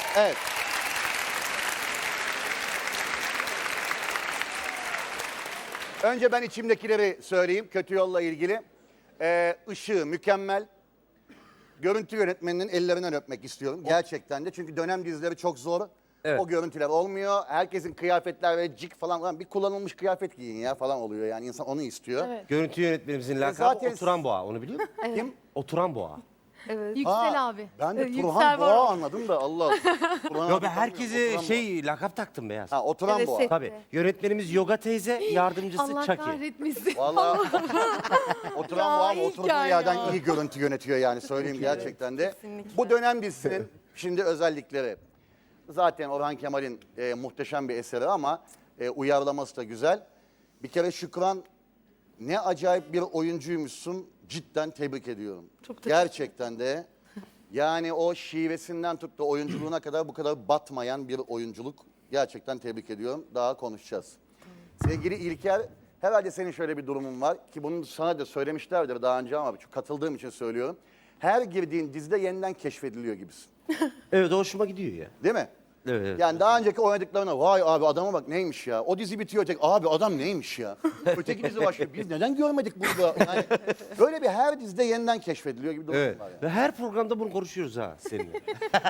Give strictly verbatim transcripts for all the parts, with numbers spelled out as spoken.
Evet. Önce ben içimdekileri söyleyeyim kötü yolla ilgili. Ee, ışığı mükemmel. Görüntü yönetmeninin ellerinden öpmek istiyorum. Gerçekten de. Çünkü dönem dizileri çok zor. Evet. O görüntüler olmuyor. Herkesin kıyafetler ve cik falan, falan bir kullanılmış kıyafet giyin ya falan oluyor. Yani insan onu istiyor. Evet. Görüntü yönetmenimizin lakabı zaten- Oturan Boğa. Onu biliyor musun? Kim? Oturan Boğa. Evet. Ha, Yüksel abi. Ben de Ee, Turhan Yüksel Boğa var. anladım da Allah Allah. Turhan Yo abi ben tanımıyorum, herkese Oturan şey lakap taktım beyaz. Boğa. Ha, oturan Evet, Boğa. set- Tabii. Yönetmenimiz Yoga teyze, yardımcısı Allah Chucky. kahretmesin. Vallahi oturan Ya, Boğa iyi oturduğu hikaye yerden ya. iyi görüntü yönetiyor yani söyleyeyim gerçekten de. kesinlikle. Bu dönem dizisinin şimdi özellikleri. Zaten Orhan Kemal'in e, muhteşem bir eseri ama e, uyarlaması da güzel. Bir kere Şükran ne acayip bir oyuncuymuşsun. Cidden tebrik ediyorum. Çok teşekkür Gerçekten de. Yani o şivesinden tut da oyunculuğuna kadar bu kadar batmayan bir oyunculuk. Gerçekten tebrik ediyorum. Daha konuşacağız. Sevgili İlker, herhalde senin şöyle bir durumun var ki bunu sana da söylemişlerdir daha önce ama çok katıldığım için söylüyorum. Her girdiğin dizide yeniden keşfediliyor gibisin. Evet hoşuma gidiyor ya. Değil mi? Evet, evet. Yani daha önceki oynadıklarına vay abi adama bak neymiş ya. O dizi bitiyor tek abi adam neymiş ya. Öteki dizi başlıyor. Biz neden görmedik burada? Yani böyle bir her dizide yeniden keşfediliyor gibi durum Evet. var yani. Ve her programda bunu konuşuyoruz ha seninle.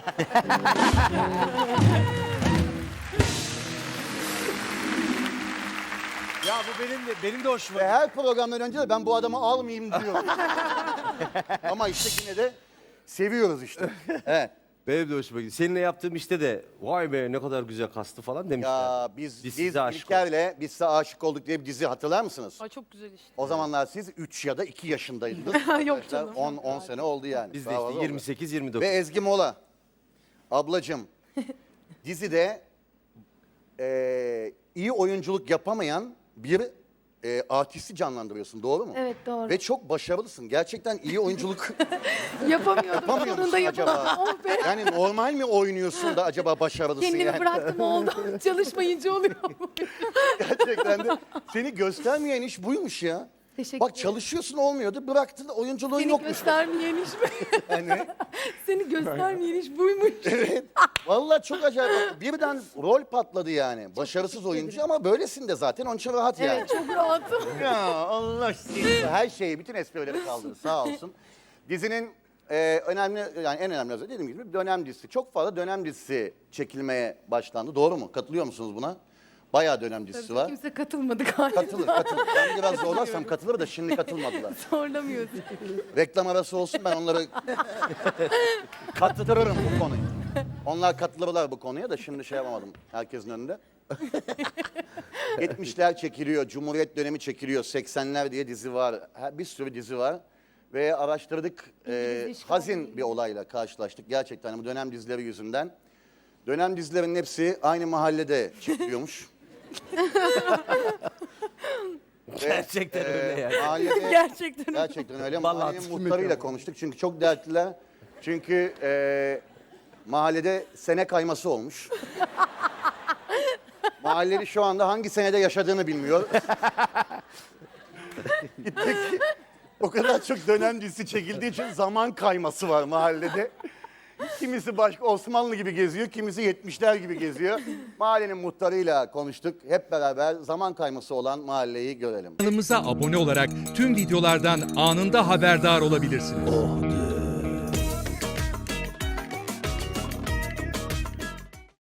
Ya bu benim de benim de hoşuma Ve gitti. her programdan önce de ben bu adamı almayayım diyorum. Ama işte yine de seviyoruz işte. Evet. Benim de hoşuma gidiyor. Seninle yaptığım işte de vay be ne kadar güzel kastı falan demişler. Ya biz, Biz biz size aşık İlker'le biz size aşık olduk diye bir dizi hatırlar mısınız? Ay çok güzel işte. O zamanlar siz üç ya da iki yaşındaydınız. Yok canım. on on sene oldu yani. Biz de Daha işte fazla oldu. yirmi sekiz yirmi Ve dokuz. Ezgi Mola. Ablacığım dizide eee, iyi oyunculuk yapamayan bir eee artisti canlandırıyorsun doğru mu? Evet doğru. Ve çok başarılısın. Gerçekten iyi oyunculuk Yapamıyordum. yapamıyor Sonunda musun acaba? yapamadım. Oh be. Yani normal mi oynuyorsun da acaba başarılısın Kendimi yani? bıraktım oldu. Çalışmayınca oluyor. Gerçekten de seni göstermeyen iş buymuş ya. Teşekkür Bak ederim. çalışıyorsun olmuyordu bıraktın oyunculuğun Seni yokmuş. göstermeyen iş mi? Yani, Seni göstermeyen iş buymuş. vallahi çok acayip. Bak, birden rol patladı yani. Başarısız oyuncu ama böylesin de zaten onun için rahat yani. Evet çok rahatım. Ya Allah seni. Her şeyi, bütün esprileri kaldırdı sağ olsun. Dizinin e, önemli, yani en önemli özelliği dediğim gibi dönem dizisi. Çok fazla dönem dizisi çekilmeye başlandı. Doğru mu? Katılıyor musunuz buna? Bayağı dönem dizisi var. Kimse katılmadı galiba. Katılır, katılır. Ben biraz zorlarsam katılır da şimdi katılmadılar. Zorlamıyorsun. Reklam arası olsun ben onları kattırırım bu konuyu. Onlar katılırlar bu konuya da şimdi şey yapamadım herkesin önünde. yetmişler çekiliyor, Cumhuriyet dönemi çekiliyor, seksenler diye dizi var. Her- Bir sürü dizi var. Ve araştırdık, e, İngiliz işgali. hazin bir olayla karşılaştık gerçekten bu dönem dizileri yüzünden. Dönem dizilerinin hepsi aynı mahallede çekiliyormuş. Gerçekten öyle yani. Mahallede, Gerçekten. gerçekten öyle. Vallahi Mahallenin muhtarıyla konuştuk çünkü çok dertliler. Çünkü e, mahallede sene kayması olmuş. Mahalleli şu anda hangi senede yaşadığını bilmiyor. Gittik. O kadar çok dönem dizisi çekildiği için zaman kayması var mahallede. Kimisi başka Osmanlı gibi geziyor, kimisi yetmişler gibi geziyor. Mahallenin muhtarıyla konuştuk. Hep beraber zaman kayması olan mahalleyi görelim. Kanalımıza abone olarak tüm videolardan anında haberdar olabilirsiniz.